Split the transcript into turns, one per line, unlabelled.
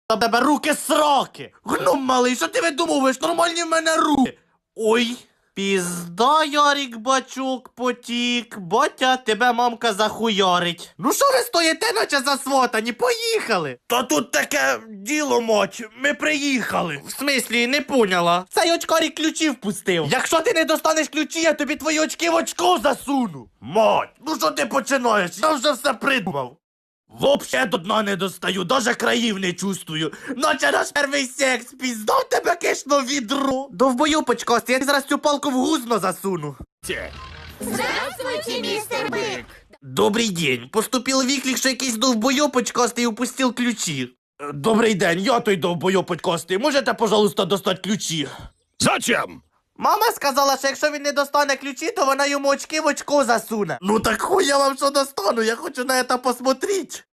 Та тебе руки сроки! Гном малий, що ти видумуєш? Нормальні в мене руки! Ой! Пізда, Ярик, бачок, потік. Батя, тебе мамка захуярить. Ну що ви стоїте, наче засватані? Поїхали! Та тут таке діло, мать, ми приїхали. В смислі, не поняла. Цей очкарик ключі впустив. Якщо ти не достанеш ключі, я тобі твої очки в очко засуну. Мать, ну що ти починаєш? Я вже все придумав. Вообще до дна не достаю, даже країв не чувствую. Наче наш перший секс, піздав тебе кишно відро. Довбою почкасти, я зараз цю палку в гузно засуну.
Здравствуйте, мистер Бык!
Добрий день. Поступил виклик, що якийсь довбойопочкастий упустив ключі. Добрий день, я той довбойопочкастий. Можете, пожалуйста, достати ключі?
Зачем?
Мама сказала, що якщо він не достане ключі, то вона йому очки в очко засуне. Ну так хуй я вам що достану, я хочу на це посмотреть.